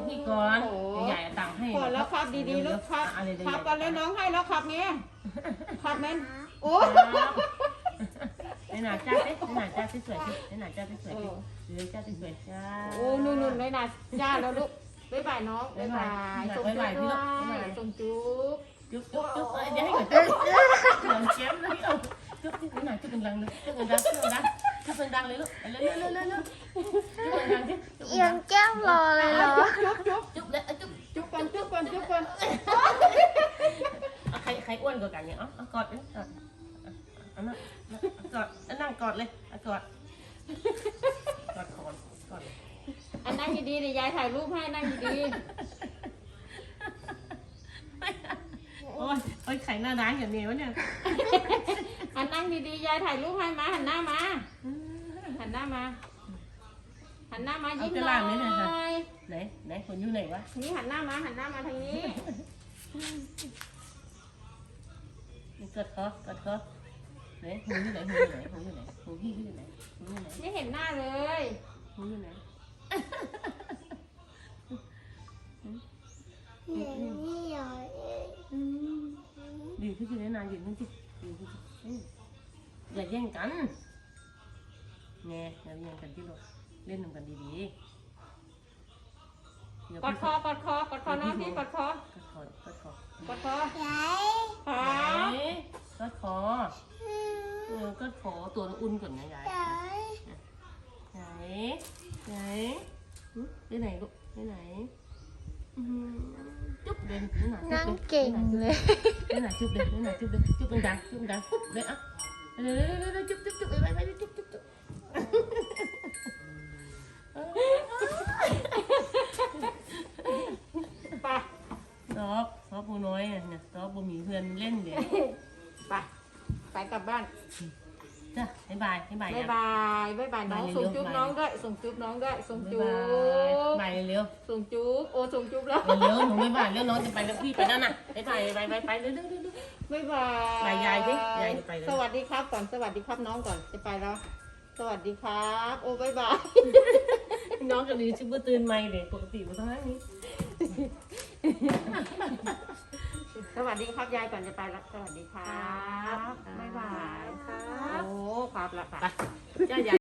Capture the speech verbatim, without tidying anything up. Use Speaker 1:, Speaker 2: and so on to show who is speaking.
Speaker 1: พี่ก่อนใหญ่ตังให้
Speaker 2: ก่อนแล้วครับดีๆลูกครับครับกันแล้วน้องให้แล้วครับเนี้ยครับแม่โอ้
Speaker 1: ในหน้าจ้าเต้ในหน้าจ้าสวยๆในหน้าจ้าสวยๆเลยจ้าสวยๆจ้า
Speaker 2: โอ้นุ่นๆเลยนะจ้าแล้วลูกบ๊ายบายน้องบ๊ายบายส่งจุ๊บด้วยส่งจุ๊บ
Speaker 1: จุ๊บจุ๊บจุ๊บเดี๋ยวให้ก่อนจุ๊บหลังเจ็บเลยเอาจุ๊บจุ๊บในหน้าจุ๊บดังเลยจุ๊บดังจุ๊บดังจุ๊บดังเลยลูกเร็วเร็วเร็วเร็วจุ๊บดังสิ
Speaker 3: เอียงแก้มรอเลยเหรอ
Speaker 2: จุ๊บจุ๊บ
Speaker 1: จุ๊บเลยจุ๊บ
Speaker 2: จุ๊บก่อนจุ๊บก่อนจุ๊บก่อน
Speaker 1: ใครใครอ้วนกว่ากันเนี่ยอ๋อกอดกอดอันนั้นกอดนั่งกอดเลยกอดกอดคอนกอด
Speaker 2: อันนั่งดีๆเดี๋ยวยายถ่ายรูปให้นั่งดี
Speaker 1: โอ้ยโอ้ยไข่หน้าร้านอย่างนี้วะเนี่ย
Speaker 2: ๆอันนั่งดีๆยายถ่ายรูปให้มาหันหน้ามาหันหน้ามาหันหน้ามายิ้มหน่อย
Speaker 1: ไหนไหนคนอยู่ไหนวะ
Speaker 2: นี่หันหน้ามาหันหน้ามาทางนี้
Speaker 1: กอดคอกอดคอไหนหูอยู่ไหนหูอยู่ไหนหูอยู่ไหนหูพี่อยู่ไหนหูอยู่ไหน
Speaker 2: ไม่เห็นหน้าเลย
Speaker 1: หูอยู่ไหน
Speaker 3: นี่เหรอ
Speaker 1: ดีขึ้นเลยนานอยู่นั่นสิดีขึ้นอย่าแย่งกันแง่อย่าแย่งกันที่เราเล่นกันดีๆ
Speaker 2: กอดคอกอดคอกอดคอน้องที่กอดคอก
Speaker 1: อดคอกอดคอก
Speaker 2: อดคอ
Speaker 3: ยาย
Speaker 2: ครับ
Speaker 1: กอดคอเออกอดคอตัวอุ่นก่อนนะยาย
Speaker 3: ยาย
Speaker 1: ไหนไหนไปไหนลูกไปไหนจุ๊บเดินนี่หน่อย
Speaker 3: นั่งเก่งเลย
Speaker 1: นี่หน่อยจุ๊บเดินนี่หน่อยจุ๊บเดินจุ๊บดังจุ๊บดังปุ๊บเลยอ่ะเร็วเร็วเร็วเร็วจุ๊บจุ๊บจุ๊บไปไปไปจุ๊บจุ๊บจุ๊บ
Speaker 2: ไป
Speaker 1: ซอบซอบปูน้อยเนี่ยซอบปูมีเพื่อนเล่นเดี๋ยว
Speaker 2: ไปไปกลับบ้าน
Speaker 1: จ้ะบ๊ายบายบ๊ายบาย
Speaker 2: บ๊ายบายบ๊ายบายน้องส่งจุ๊บน้องด้วยส่งจุ๊บน้องด้วยส่งจุ๊บ
Speaker 1: บ๊ายบายเร็ว
Speaker 2: ส่งจุ๊บโอ้ส่งจุ๊บแล้ว
Speaker 1: เร็วหนูบ๊ายบายเร็วน้องจะไปแล้วพี่ไปแล้วนะบ๊ายบายไปไปไปเร็วเร็วเร็ว
Speaker 2: บ๊ายบาย
Speaker 1: บายยายสิยายจะไปแล้ว
Speaker 2: สวัสดีครับก่อนสวัสดีครับน้องก่อนจะไปแล้ว สวัสดีครับโอ้บ๊ายบาย
Speaker 1: น้องกับลีชื่อตื่นไม่เลยปกติมาทั้งนั้นนี้
Speaker 2: สวัสดีครับยายก่อนจะไปแล้วสวัสดีครับบ๊ายบายครับโอ้ครับละค่ะ
Speaker 1: จ้า